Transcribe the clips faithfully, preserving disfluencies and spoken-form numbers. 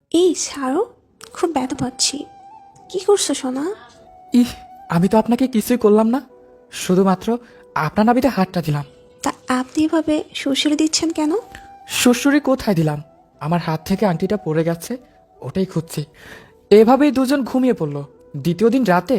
এই ছাড়ো, খুব ব্যথা পাচ্ছি। কি করছো সোনা? ইহ, আমি তো আপনাকে কিছুই করলাম না, শুধুমাত্র আপনার নাবিতে হাতটা দিলাম। তা আপনি এভাবে সুশীল দিচ্ছেন কেন? শ্বশুরি কোথায় দিলাম? আমার হাত থেকে আংটিটা পড়ে গেছে, ওটাই খুঁজছি। এভাবেই দুজন ঘুমিয়ে পড়লো। দ্বিতীয় দিন রাতে।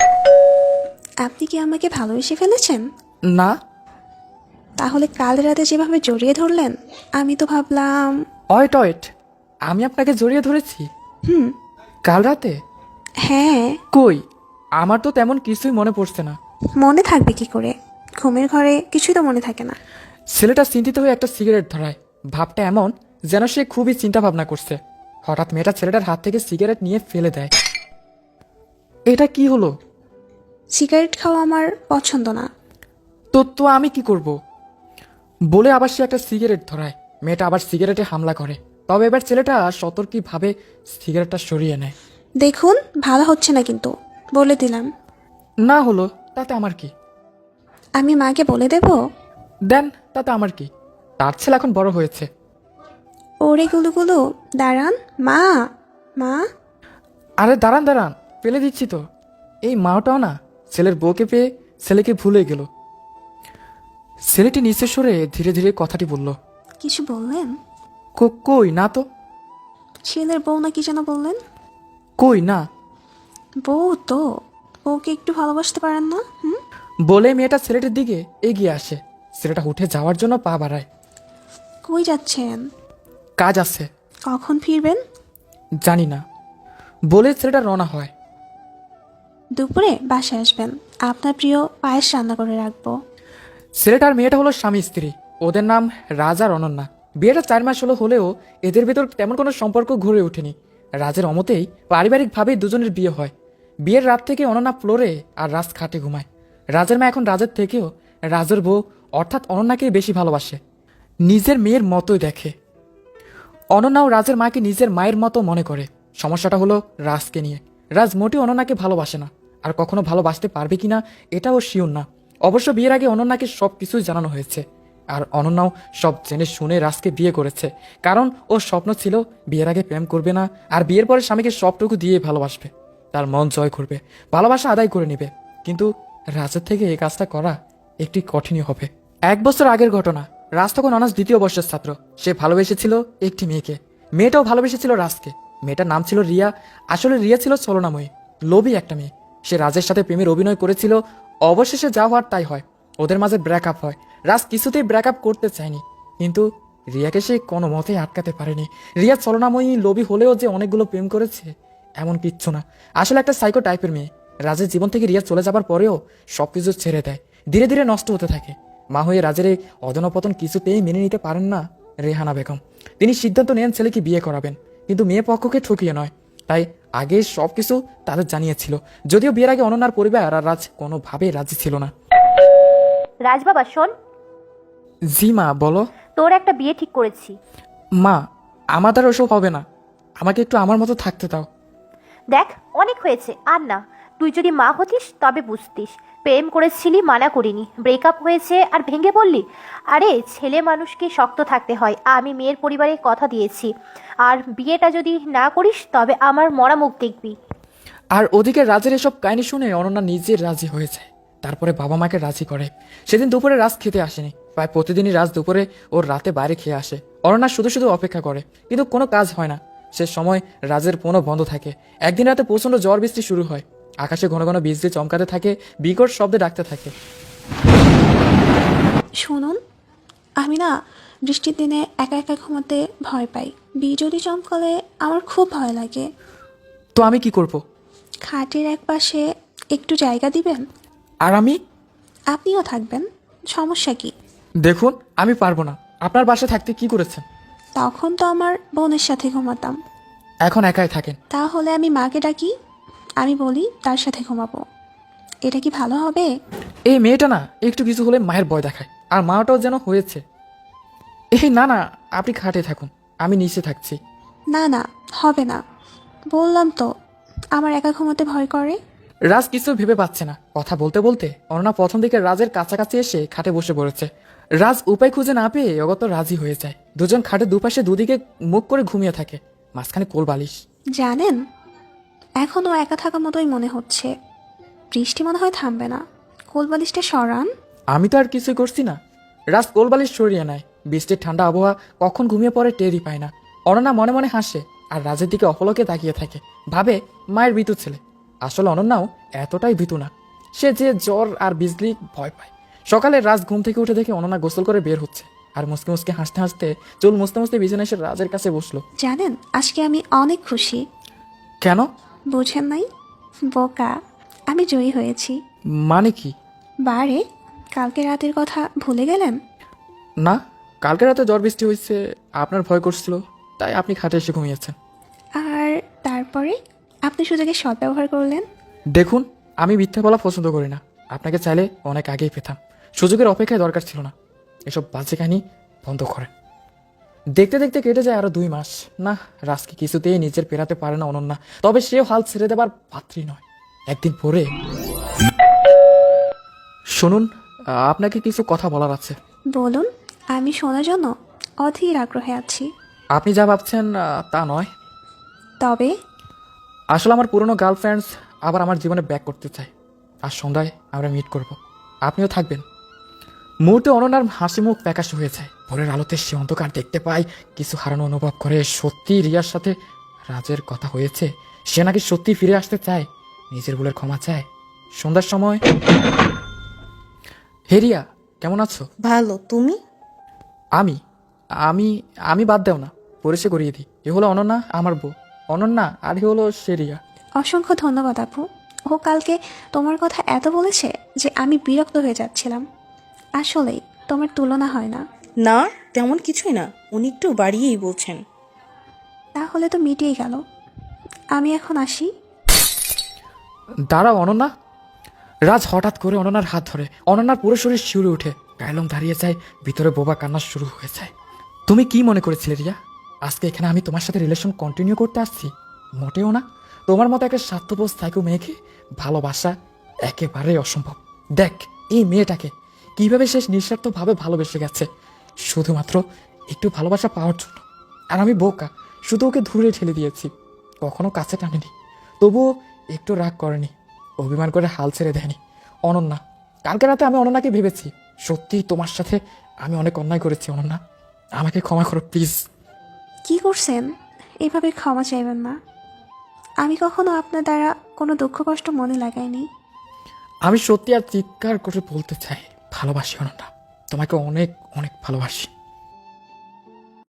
আপনি কি আমাকে ভালোবেসে ফেলেছেন? না। তাহলে কাল রাতে যেভাবে জড়িয়ে ধরলেন, আমি তো ভাবলাম। অয়েট অয়েট, আমি আপনাকে জড়িয়ে ধরেছি? হুম। কাল রাতে? হ্যাঁ। কই, আমার তো তেমন কিছুই মনে পড়ছে না। মনে থাকবে কি করে? ঘুমের ঘরে কিছুই তো মনে থাকে না। ছেলেটা চিন্তিত হয়ে একটা সিগারেট ধরায়। ভাবটা এমন যেন সে খুবই চিন্তা ভাবনা করছে। হঠাৎ মেয়েটা ছেলেটার হাত থেকে সিগারেট নিয়ে ফেলে দেয়। এটা কি হলো? সিগারেট খাওয়া আমার পছন্দ না। তো তো আমি কি করব? বলে আবার সে একটা সিগারেট ধরায়। মেয়েটা আবার সিগারেটে হামলা করে। তবে এবার ছেলেটা সতর্কীভাবে সিগারেটটা সরিয়ে নেয়। দেখুন, ভালো হচ্ছে না কিন্তু, বলে দিলাম। না হলো তাতে আমার কি? আমি মাকে বলে দেব। দেন, তাতে আমার কি? তার ছেলে এখন বড় হয়েছে। ওরে গুলুগুলু, দাঁড়ান। মা, মা। আরে দাঁড়ান দাঁড়ান, ফেলে দিচ্ছি তো। এই মাওটাও না ছেলের বউকে পেয়ে ছেলেকে ভুলে গেল। ছেলেটি নিচে সরে ধীরে ধীরে কথাটি বলল। কিছু বললেন? "কো- কই না তো। ছেলের বউ না কি যেন বললেন? কই না। বউ তো, বউকে একটু ভালোবাসতে পারেন না? হুম। বলে মেয়েটা ছেলেটির দিকে এগিয়ে আসে। ছেলেটা উঠে যাওয়ার জন্য পা বাড়ায়। কই যাচ্ছেন? কাজ আছে। কখন ফিরবেন? জানি না। বলে ছেলেটা রওনা হয়। দুপুরে বাসায় আসবেন, আপনার প্রিয় পায়েস রান্না করে রাখবো। ছেলেটার মেয়েটা হলো স্বামী স্ত্রী। ওদের নাম রাজ আর অনন্যা। বিয়েটা চার মাস হলো হলেও এদের ভেতর তেমন কোনো সম্পর্ক গড়ে ওঠেনি। রাজের অমতেই পারিবারিকভাবেই দুজনের বিয়ে হয়। বিয়ের রাত থেকে অনন্যা ফ্লোরে আর রাজ খাটে ঘুমায়। রাজের মা এখন রাজের থেকেও রাজের বউ অর্থাৎ অনন্যাকেই বেশি ভালোবাসে, নিজের মেয়ের মতোই দেখে। অনন্যাও রাজের মাকে নিজের মায়ের মতো মনে করে। সমস্যাটা হলো রাজকে নিয়ে। রাজ মোটেও অনন্যাকে ভালোবাসে না, আর কখনো ভালোবাসতে পারবে কিনা এটাও শিওর না। অবশ্য বিয়ের আগে অনন্যাকে সব কিছুই জানানো হয়েছে, আর অনন্যাও সব জেনে শুনে রাজকে বিয়ে করেছে। কারণ ওর স্বপ্ন ছিল বিয়ের আগে প্রেম করবে না, আর বিয়ের পরে স্বামীকে সবটুকু দিয়ে ভালোবাসবে, তার মন জয় করবে, ভালোবাসা আদায় করে নেবে। কিন্তু রাজের থেকে এই কাজটা করা একটি কঠিনই হবে। এক বছর আগের ঘটনা। রাজ তখন অনার্স দ্বিতীয় বর্ষের ছাত্র। সে ভালোবেসেছিল একটি মেয়েকে। মেয়েটাও ভালোবেসেছিল রাজকে। মেয়েটার নাম ছিল রিয়া। আসলে রিয়া ছিল ছলনাময়ী, লোভী একটা মেয়ে। সে রাজের সাথে প্রেমের অভিনয় করেছিল। অবশেষে যা হওয়ার তাই হয়, ওদের মাঝে ব্রেকআপ হয়। রাজ কিছুতেই ব্রেকআপ করতে চায়নি, কিন্তু রিয়াকে সে কোনো মতেই আটকাতে পারেনি। রিয়া ছলনাময়ী, লোভী হলেও যে অনেকগুলো প্রেম করেছে এমন কিচ্ছু না। আসলে একটা সাইকো টাইপের মেয়ে। রাজের জীবন থেকে রিয়া চলে যাবার পরেও সবকিছু ছেড়ে দেয়, ধীরে ধীরে নষ্ট হতে থাকে। মা হয়ে রাজের এই অধনপতন কিছুতেই মেনে নিতে পারেন না রেহানা বেগম। তিনি সিদ্ধান্ত নেন ছেলেকে বিয়ে করাবেন, কিন্তু মেয়ে পক্ষকে ঠকিয়ে নয়। তাই আগে সবকিছু তাদের জানিয়েছিল, যদিও বিয়ের আগে অনন্যার পরিবার আর রাজ কোনোভাবেই রাজি ছিল না। রাজ বাবা শোন, জি মা, বলো। তোর একটা বিয়ে ঠিক করেছি। মা, আমার দ্বারা ওসব হবে না, আমাকে একটু আমার মতো থাকতে দাও। দেখ, অনেক হয়েছে, আর না। তুই যদি মা হতিস তবে বুঝতিস। প্রেম করেছিলি, মানা করিনি। ব্রেকআপ হয়েছে আর ভেঙে পড়লি। আরে ছেলে মানুষকে শক্ত থাকতে হয়। আমি মেয়ের পরিবারে কথা দিয়েছি, আর বিয়েটা যদি না করিস তবে আমার মরা মুখ দেখবি। আর ওদিকে রাজের এসব কাহিনী শুনে অনন্যা নিজে রাজি হয়ে যায়। তারপরে বাবা মাকে রাজি করে। সেদিন দুপুরে রাজ খেতে আসেনি। প্রায় প্রতিদিনই রাজ দুপুরে ওর রাতে বাইরে খেয়ে আসে। অনন্যা শুধু শুধু অপেক্ষা করে, কিন্তু কোনো কাজ হয় না। সে সময় রাজের ফোনও বন্ধ থাকে। একদিন রাতে প্রচণ্ড ঝড় বৃষ্টি শুরু হয়। আকাশে ঘন ঘন বিজলি চমকাতে থাকে, বিকট শব্দে ডাকতে থাকে। শুনুন, আমি না বৃষ্টির দিনে একা একা ঘুমাতে ভয় পাই। বিজলি চমকালে আমার খুব ভয় লাগে। তো আমি কি করব? খাটের এক পাশে একটু জায়গা দিবেন? আর আমি? আপনিও থাকবেন, সমস্যা কি? দেখুন, আমি পারবো না। আপনার বাসায় থাকতে কি করেছেন? তখন তো আমার বোনের সাথে ঘুমাতাম। এখন একাই থাকেন। তাহলে আমি মাকে ডাকি, আমি বলি তার সাথে ঘুমাবো। এটা কি ভালো হবে? এই মেয়েটা না একটু কিছু হলে মায়ের ভয় দেখায়, আর মাটাও যেন হয়েছে। এই না না, আপনি খাটে থাকুন, আমি নিচে থাকছি। না না, হবে না। বললাম তো, আমার একা ঘুমাতে ভয় করে। রাজ কিছু ভেবে পাচ্ছে না। কথা বলতে বলতে অনন্যা প্রথম দিকে রাজের কাছাকাছি এসে খাটে বসে পড়েছে। রাজ উপায় খুঁজে না পেয়ে অগত রাজি হয়ে যায়। দুজন খাটে দুপাশে দুদিকে মুখ করে ঘুমিয়ে থাকে। মাঝখানে কোল বালিশ। জানেন, এখনও একা থাকা মতোই মনে হচ্ছে। বৃষ্টি মনে হয় থামবে না। কোলবালিশটা সরান। আমি তো আর কিছুই করছি না। রাজ কোল বালিশ সরিয়ে নেয়। বৃষ্টির ঠান্ডা আবহাওয়া কখন ঘুমিয়ে পড়ে টেরই পায় না। অনন্যা মনে মনে হাসে আর রাজের দিকে অপলকে তাকিয়ে থাকে, ভাবে মায়ের ভীতু ছেলে। আসলে অনন্যাও এতটাই ভীতু না। সে যে জ্বর আর বিজলি ভয় পায়। সকালে রাজ ঘুম থেকে উঠে দেখে অনন্যা গোসল করে বের হচ্ছে আর মুসকে মুসকে হাসতে হাসতে চুল মুছতে মুছতে বিছানায় এসে রাজের কাছে বসলো। জানেন, আজকে আমি অনেক খুশি। কেন? বুঝেন নাই? বোকা, আমি জয়ী হয়েছি। মানে কি? বারে, কালকে রাতের কথা ভুলে গেলেন? না, কালকে রাতে জ্বর বৃষ্টি হয়েছে, আপনার ভয় করছিল, তাই আপনি খাটে এসে ঘুমিয়েছেন। আর তারপরে আপনি সুযোগের সদ্ব্যবহার করলেন। দেখুন, আমি মিথ্যা বলা পছন্দ করি না। আপনাকে চাইলে অনেক আগেই পেতাম। সুযোগের অপেক্ষায় দরকার ছিল না। এসব বাজে কাহিনী বন্ধ করেন। দেখতে দেখতে কেটে যায় আরো দুই মাস। না, রাজকে কিছুতেই নিজের পেরাতে পারে না অনন্যা। তবে সেও হাল ছেড়ে দেবার পাত্রী নয়। একদিন পরে, শুনুন, আপনাকে কিছু কথা বলার আছে। বলুন, আমি শোনার জন্য অধীর আগ্রহে আছি। আপনি যা ভাবছেন আহ, তা নয়। তবে আসলে আমার পুরনো গার্লফ্রেন্ডস আবার আমার জীবনে ব্যাক করতে চায়। আর সন্ধ্যায় আমরা মিট করব, আপনিও থাকবেন। মুহূর্তে অনন্যার হাসি মুখ প্যাকাশ হয়ে যায়। ভোরের আলোতে সে অন্ধকার দেখতে পায়, কিছু হারানো অনুভব করে। সত্যি রিয়ার সাথে রাজের কথা হয়েছে। সে নাকি সত্যি ফিরে আসতে চায়, নিজের ভুলের ক্ষমা চায়। সন্ধ্যার সময়, হে রিয়া, কেমন আছো? ভালো, তুমি? আমি আমি আমি বাদ দেও না, পরিচয় করিয়ে দিই। এ হলো অনন্যা, আমার বউ। অনন্যা, আর এ হলো সে রিয়া। অসংখ্য ধন্যবাদ আপু। ও কালকে তোমার কথা এত বলেছে যে আমি বিরক্ত হয়ে যাচ্ছিলাম। আসলেই তোমার তুলনা হয় না। না, তেমন কিছুই না, উনি একটু বাড়িয়েই বলছেন। তাহলে তো মিটিয়ে গেল। আমি এখন আসি। দাঁড়াও অনন্যা। রাজ হঠাৎ করে অনন্যার হাত ধরে। অনন্যার পুরো শরীর শিউরে উঠে, গায়লম দাঁড়িয়ে যায়, ভিতরে বোবা কান্না শুরু হয়ে যায়। তুমি কি মনে করেছিলে রিয়া, আজকে এখানে আমি তোমার সাথে রিলেশন কন্টিনিউ করতে আসছি? মোটেও না। তোমার মতো একটা স্বার্থপর সাইকো মেয়েকে ভালোবাসা একেবারেই অসম্ভব। দেখ এই মেয়েটাকে কিভাবে শেষ নিঃস্বার্থভাবে ভালোবেসে গেছে, শুধুমাত্র একটু ভালোবাসা পাওয়ার জন্য। আর আমি বোকা, শুধু ওকে দূরে ঠেলে দিয়েছি, কখনো কাছে টানিনি। তবুও একটু রাগ করেনি, অভিমান করে হাল ছেড়ে দেয়নি। অনন্যা, কালকে রাতে আমি অনন্যাকে ভেবেছি। সত্যিই তোমার সাথে আমি অনেক অন্যায় করেছি অনন্যা, আমাকে ক্ষমা করো প্লিজ। কি করছেন? এভাবে ক্ষমা চাইবেন না। আমি কখনো আপনার দ্বারা কোনো দুঃখ কষ্ট মনে লাগাইনি। আমি সত্যি আর চিৎকার করে বলতে চাই, ভালোবাসি অনন্যা, তোমাকে অনেক অনেক ভালোবাসি।